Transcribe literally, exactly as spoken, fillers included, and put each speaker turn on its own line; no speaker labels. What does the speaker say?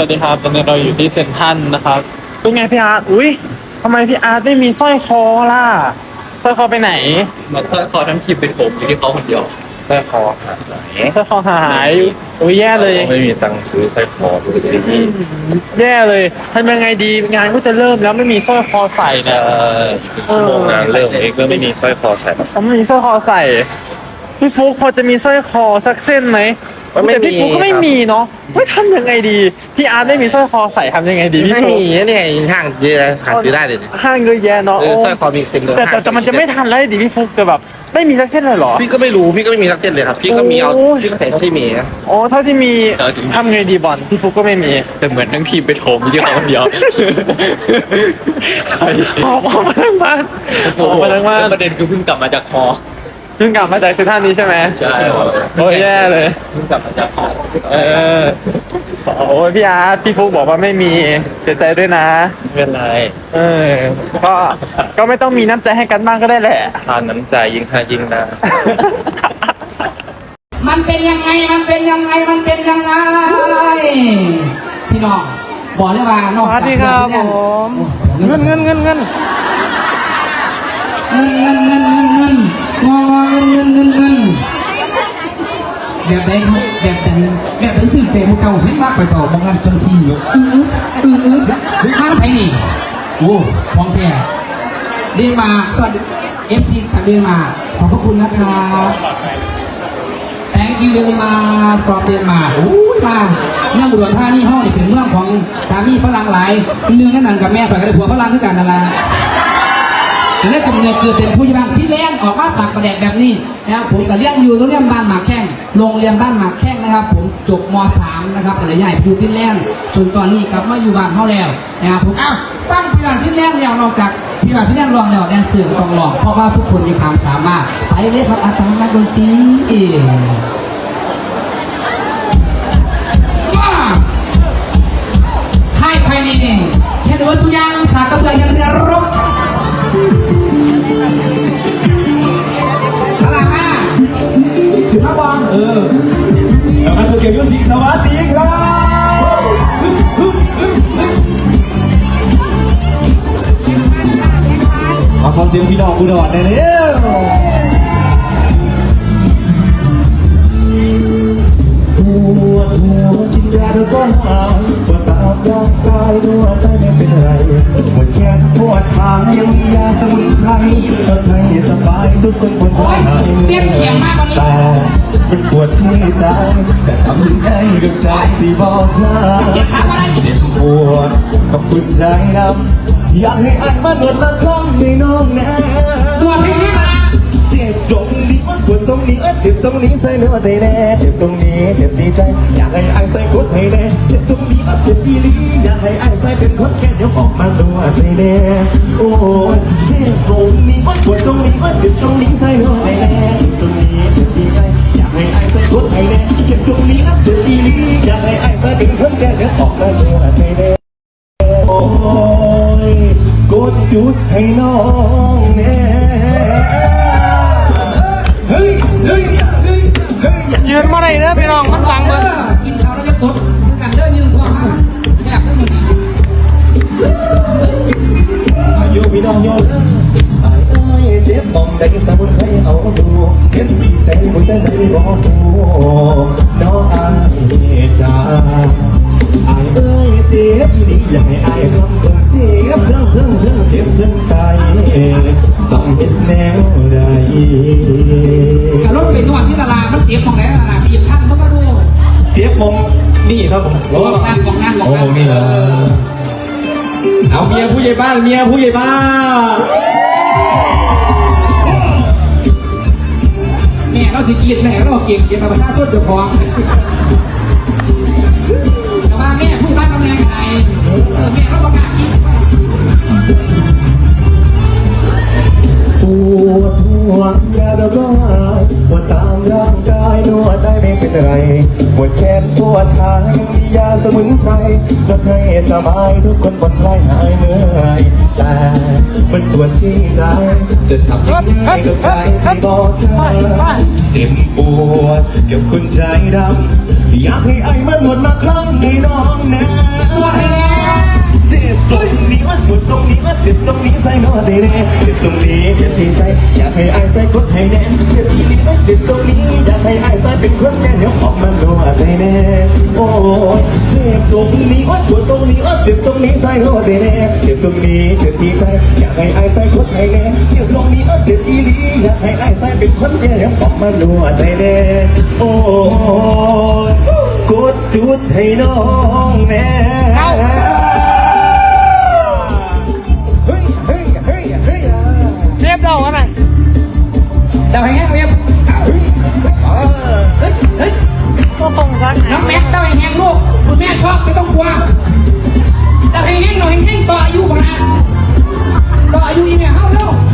วัสดีครับตอนนี้เราอยู่ที่เซ็นทรัลนะครับเป็นไงพี่อาร์ตอุ้ยทำไมพี่อาร์ตไม่มีสร้อยคอล่ะสร้อยคอไปไหน
หมดสร้อยคอทั้งทีมเป็นผมอยู่ที่เขาคนเดียว
สร้อยคอหาย
สร้อยคอหายอุ้ยแย่เลย
ไม่มีตังค์ซื้อสร้อยคอดูสิ
อืมแย่เลยทำยังไงดีงานก็จะเริ่มแล้วไม่มีสร้อยคอใส่เนี่ย
ชั่วโมงงานเริ่มเองก็ไม่มีสร้อยคอใส่
เขาไม่มีสร้อยคอใส่พี่ฟุกพอจะมีสร้อยคอสักเส้นไหมแต่พี่ฟุกก็ไม่มีเนาะไม่ทำยังไงดีพี่อาร์ตไม่มีสร้อยคอใส่ทำยังไงดีพี่
ไม่
ฟุก
มีเนี่ยห้างเยอะหาซื้อได้เลยเนี่ย
ห้างเยอะแยะเนาะ
เออสร้อยคอมีเต็มเลย
แต่แต่แต่มันจะไม่ทันแล้วดิพี่ฟุกจะแบบไม่มีสักเส้นเลยเหรอ
พี่ก็ไม่รู้พี่ก็ไม่มีสักเส้นเลยครับพี่ก็มีเอา
โอ้ย
พี่ก็ใส่เท่าที่มีนะ
อ๋อเท่าที่มี
เออจริง
ทำไงดีบอลพี่ฟุกก็ไม่มี
แต่เหมือนทั้งทีมเป็นผมอยู่ที่เขาคนเดียว
ใช่ออกมาทั้งบ้านออกมาทั้งบ้าน
ประเด็นคือเพิ่งกลับมาจากคอ
เพิ่งกลับมาจากเซนทรัลนี้ใช่ไหม
ใช่
โอ้ยแย่เลย
เพิ่งกลับมาจากคอ
เออโอ้ยพี่อาร์ตพี่ฟุกบอกว่าไม่มีเสียใจด้วยนะ
ไม่เป็นไร
เออก็ก็ไม่ต้องมีน้ำใจให้กันบ้างก็ได้แหละ
ทานน้ำใจยิ่งทานยิ่งนะ
มันเป็นยังไง มันเป็นยังไง มันเป็นยังไง พี่น้องบอกเลยว่านอกจากเงินเงินเงินเงินเงินเงินเงินเงินเงินเงินงอเงินเงินเงินเงินแบบใดครับแบบใดแบบใดถึงใจพวกเจ้าเห็นมากไปต่อบางงานจังซีอยู่อืออืออือมาไปนี่โอ้พองแท้เรียนมาสวัสดีเอฟซีเรียนมาขอบพระคุณนะครับ Thank you very much from Denmark โอ้ยมาเมืองอุดรธานีห้องนี่เป็นเมืองของสามีฝรั่งหลายเนื่องนั่นกับแม่ไปกับผัวฝรั่งด้วยกันนั่นแหละแต่เรื่องกำเนิดเกิดเป็นผู้ใหญ่บ้านที่เลี้ยงออกมาตักประแดกแบบนี้นะครับผมกับเลี้ยงอยู่โรงเรียนบ้านหมากแข้งโรงเรียนบ้านหมากแข้งนะครับผมจบม .สาม นะครับแต่ละใหญ่อยู่ฟินแลนด์จนตอนนี้กลับมาอยู่บ้านเขาแล้วนะครับผมอ้าวฟังพี่บ้านฟินแลนด์แล้วนอกจากพี่บ้านฟินแลนด์ลองแล้วแดนเซอร์ก็ต้องลองเพราะว่าทุกคนมีความสามารถไปเลยครับอาจารย์นักดนตรีให้ใครนี่เนี่ยแค่ดูว่าสุยางสากกระเบือยังเรือรบอะไรมาพระบอลเออ
แล้วก็ถูกเกี่ยวกับสีสวัสดีครับมาขอเสียงพี่น้องอุดรหน่อยเร็วปวดหัวกินยาแล้วก็หายปวดตามร่างกายนวดได้ไม่เป็นไรปวดแขนปวดขายังมียาสมุนไพรทำให้สบายทุกคนปวดหัวหายแต่มันปวดที่ใจจะทำยังไงกับใจที่บอกเธอเจ็บปวดกับปวดใจดำอยากให้อันมาหนวดมาคล้องในน้องนะเจ็บตรงนี้ปวดตรงนี้เจ็บตรงนี้ใส่เนื้อให้แน่เจ็บตรงนี้เจ็บดีใจอยากให้ไอ้ใส่กดให้แน่เจ็บตรงนี้เจ็บดีลีอยากให้ไอ้ใส่เป็นคนแก่เดี๋ยวออกมาตัวให้แน่โอ้ยเจ็บตรงนี้ปวดตรงนี้เจ็บตรงนี้ใส่เนื้อให้แน่เจ็บตรงนี้เจ็บดีใจอยากให้ไอ้ใส่กดให้แน่เจ็บตรงนี้เจ็บดีลีอยากให้ไอ้ใส่เป็นคนแก่เดี๋ยวออกมาตัวให้แน่โอ้ยกดจุดให้น้องแน่เฮ้ยเฮ้ยเฮ้ยเฮ้ย
ยืนมาไหนเด้อพี่น้องมันบังเบิด
กินข้าวแล้วจะกดคือกันเดินยืนตัวมาแยกได้หมดดี
อายุพี่น้องโยนไอ้ไอ้เจ็บมองได้สมุนไพรเอาดูเจ็บดีใจหัวใจได้บอกดูน้องไอ้จ้าไอ้เอ้ยเจ็บนี่อยากให้ไอ้คำเพิ่งเจ็บเพิ่งเพิ่งเพิ่งเจ็บเพิ่งตายต้องเห็นแนวใด
แต่รถไปนวดที่ตลาดมันเจ็บของไหนตลาดพี่ท่านเขาก็รู้
เจ็บมองนี่ครับผม
บอกนั่นบอกนั่นบอก
โอ้
นั่น
นี่เหรอเอาเมียผู้ใหญ่บ้านเมียผู้ใหญ่บ้าน
แม่เราสิกีดแม่เราเก่งเก่งกับภาษาชนเดือดร้อนแต่ว่าแม่ผู้บ้านกำลังไงเออแม่เราประกาศอีก
ปวดหัวยาแล้วก็หายปวดตามร่างกายนวดได้ไม่เป็นไรปวดแขนปวดขายังมียาสมุนไพรทำให้สบายทุกคนผ่อนคลายหายเหนื่อยแต่มันปวดที่ใจจะทำยังไงกับใจที่บอกเธอเจ็บปวดเกี่ยวคุณใจดำอยากให้ไอ้มันหมดมาครั้งให้น้องนะดตรงนี้ว่าเจ็บตรงนี้ใส่นอได้แน่เจ็บตรงนี้เจ็บที่ใจอยากให้อายใส่กดให้แน่เจ็บที่นี้ว่าเจ็บตรงนี้อยากให้อายใส่เป็นคนแน่เดี๋ยวออกมาดูอะไรแน่โอ้ยเจ็บตรงนี้ว่าปวดตรงนี้ว่าเจ็บตรงนี้ใส่นอได้แน่เจ็บตรงนี้เจ็บที่ใจอยากให้อายใส่กดให้แน่เจ็บตรงนี้ว่าเจ็บอีหลีอยากให้อายใส่เป็นคนแน่เดี๋ยวออกมาดูอะไรแน่โอ้ยกดจุดให้น้องแน่เฮ้ยเฮ้ยเฮ้ยเฮ้ย
เรียบร้อยไหม
เดาให้แห้งเรียบ
เฮ้ยอ่า
เฮ้ยเฮ้ย
ก็ตรงซัก
น้องแม็กเดาให้แห้งลูกคุณแม่ชอบไม่ต้องกลัวเดาให้แห้งหน่อยแห้งต่ออายุก่อนนะต่ออายุอีกเนี่ยเฮ้าเร็ว